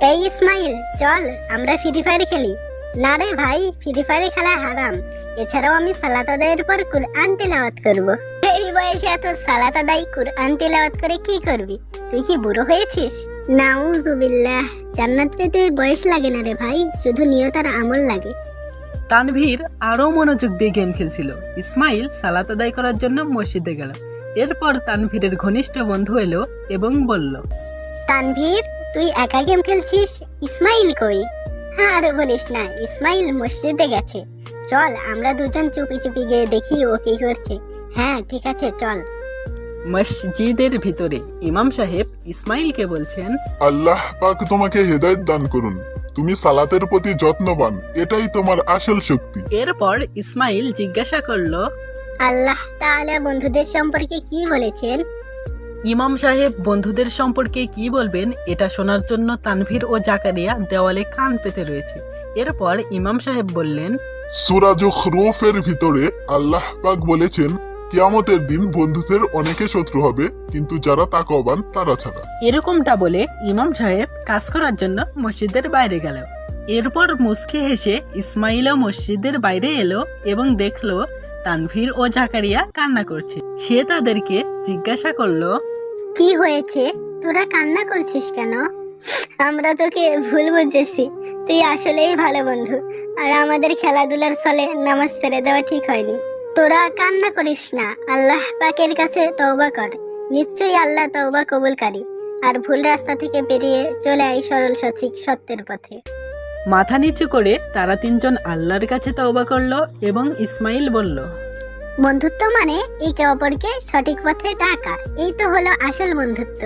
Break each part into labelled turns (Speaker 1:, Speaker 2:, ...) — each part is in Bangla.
Speaker 1: এই ইসমাইল, চল আমরা ফ্রি ফায়ার খেলি। না রে ভাই, ফ্রি ফায়ার খেলা হারাম। এছাড়াও আমি সালাত আদায়ের পর কুরআন তিলাওয়াত করব। এই বয়সে এত সালাত আদায় কুরআন তিলাওয়াত করে কি করবি? তুই কি বুড়ো হয়েছিস? নাউজুবিল্লাহ, জান্নাত পেতে বয়স লাগে না রে ভাই, শুধু নিয়ত আর আমল লাগে।
Speaker 2: তানভীর আরও মনোযোগ দিয়ে গেম খেলছিল। ইসমাইল সালাত আদায় করার জন্য মসজিদে গেল। এরপর তানভীরের ঘনিষ্ঠ বন্ধু এলো এবং বলল,
Speaker 1: তানভীর, তুই একা গেম খেলছিস? ইসমাইল কই? হ্যাঁ, আর বলিস না, ইসমাইল মসজিদে গেছে। চল আমরা দুজন চুপি চুপি গিয়ে দেখি ও কি করছে। হ্যাঁ ঠিক আছে, চল।
Speaker 2: মসজিদের ভিতরে ইমাম সাহেব ইসমাইলকে বলছেন,
Speaker 3: আল্লাহ পাক তোমাকে হেদায়েত দান করুন। তুমি সালাতের প্রতি যত্নবান, এটাই তোমার আসল শক্তি।
Speaker 2: এরপর ইসমাইল জিজ্ঞাসা করল,
Speaker 1: আল্লাহ তাআলা বন্ধুদের সম্পর্কে কি বলেছেন?
Speaker 2: ইমাম সাহেব বন্ধুদের সম্পর্কে কি বলবেন এটা শোনার জন্য তানভীর ও জাকারিয়া দেওয়ালে কান পেতে রয়েছে। এরপর ইমাম সাহেব বললেন,
Speaker 3: সূরা যুখরুফের ভিতরে আল্লাহ পাক বলেছেন, কিয়ামতের দিন বন্ধুদের অনেকে শত্রু হবে, কিন্তু যারা তাকওয়াবান তারা ছাড়া।
Speaker 2: এরকমটা বলে ইমাম সাহেব কাজ করার জন্য মসজিদের বাইরে গেল। এরপর মুচকি হেসে ইসমাইলও মসজিদের বাইরে এলো এবং দেখলো তানভীর ও জাকারিয়া কান্না করছে। সে তাদেরকে জিজ্ঞাসা করলো,
Speaker 1: কি হয়েছে? তোরা কান্না করছিস কেন? আমরা তোকে ভুল বুঝেছি। তুই আসলেই ভালো বন্ধু, আর আমাদের খেলাধুলার ছলে নামাজ ছেড়ে দেওয়া ঠিক হয়নি। তোরা কান্না করিস না, আল্লাহ পাকের কাছে তওবা কর। নিশ্চয়ই আল্লাহ তওবা কবুলকারী। আর ভুল রাস্তা থেকে বেরিয়ে চলে আয় সরল সঠিক সত্যের পথে।
Speaker 2: মাথা নিচু করে তারা তিনজন আল্লাহর কাছে তওবা করলো এবং ইসমাইল বলল,
Speaker 1: বন্ধুত্ব মানে একে অপরকে সঠিক পথে ডাকা, এই তো হলো আসল বন্ধুত্ব।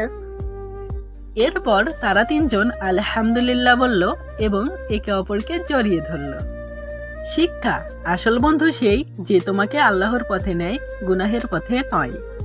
Speaker 2: এরপর তারা তিনজন আলহামদুলিল্লাহ বলল এবং একে অপরকে জড়িয়ে ধরল। শিক্ষা, আসল বন্ধু সেই যে তোমাকে আল্লাহর পথে নেয়, গুনাহের পথে নয়।